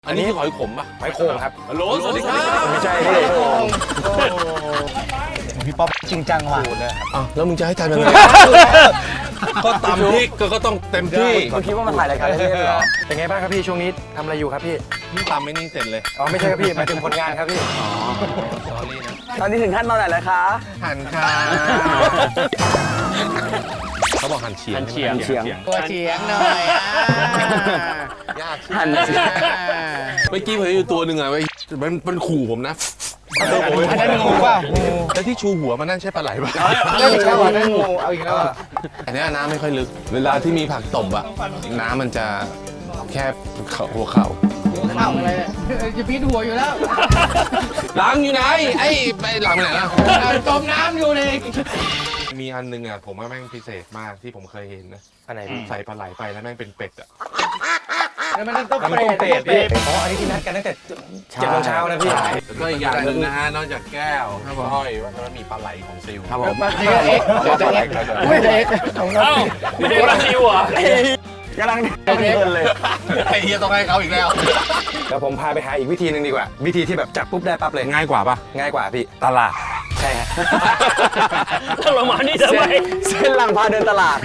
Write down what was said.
อันนี้คือหอยขมป่ะหอยโข่งครับฮัลโหลสวัสดีครับไม่ใช่พี่ป๊อปจริงจังว่ะอ้าวแล้วมึงจะให้ทำยังไงก็ตำพริกก็ต้องเต็มที่คุณคิดว่ามาถ่ายรายการเล่นๆเหรอเป็นไงบ้างครับพี่ช่วงนี้ทำอะไรอยู่ครับพี่นี่ตำไม่นี่เสร็จเลยอ๋อไม่ใช่ครับพี่หมายถึงผลงานครับพี่สอรี่นะตอนนี้ถึงขั้นตอนไหนแล้วคะหั่นค่ะเขาบอกหั่นเฉียงเฉียงตัวเฉียงหน่อยยากหั่นเฉียงเมื่อกี้ผมอยู่ตัวหนึ่งอะมันขู่ผมนะอันนั้นงูเปล่างูแล้วที่ชูหัวมันนั่นใช่ปลาไหลป่ะเล่นอีกแล้วอ่ะนั่นงูเอาอีกแล้วอ่ะอันนี้น้ำไม่ค่อยลึก เวลาที่มีผักตบอะน้ำมันจะแค่หัวเข่าเข้าอะไรจะพีดหัวอยู่แล้วหลังอยู่ไหนไอ้ไปหลังไปไหนล่ะจมน้ำอยู่เลยมีอันนึงอะผมว่าแม่งพิเศษมากที่ผมเคยเห็นนะอันไหนพี่ใส่ปลาไหลไปแล้วแม่งเป็นเป็ดอะแล้วมันต้องมันเป็นเป็ดพี่อ๋ออันนี้ที่นัดกันตั้งแต่7 โมงเช้านะพี่แล้วก็อีกอย่างหนึ่งนะฮะนอกจากแก้วถ้าห้อยมันมีปลาไหลของซิลครับผมเอ็กเดี๋ยวจะเอ็กไม่จะเอ็กของเราไม่ได้มาซิวเหรอกำลังเดินเลยไอ้เฮียต้องให้เขาอีกแล้วแล้วผมพาไปหาอีกวิธีหนึ่งดีกว่า วิธีที่แบบจับปุ๊บได้ปั๊บเลยง่ายกว่าปะง่ายกว่าพี่ตลาดใช่ฮะต้องลงมานี่ทำไมเส้นหลังพาเดินตลาด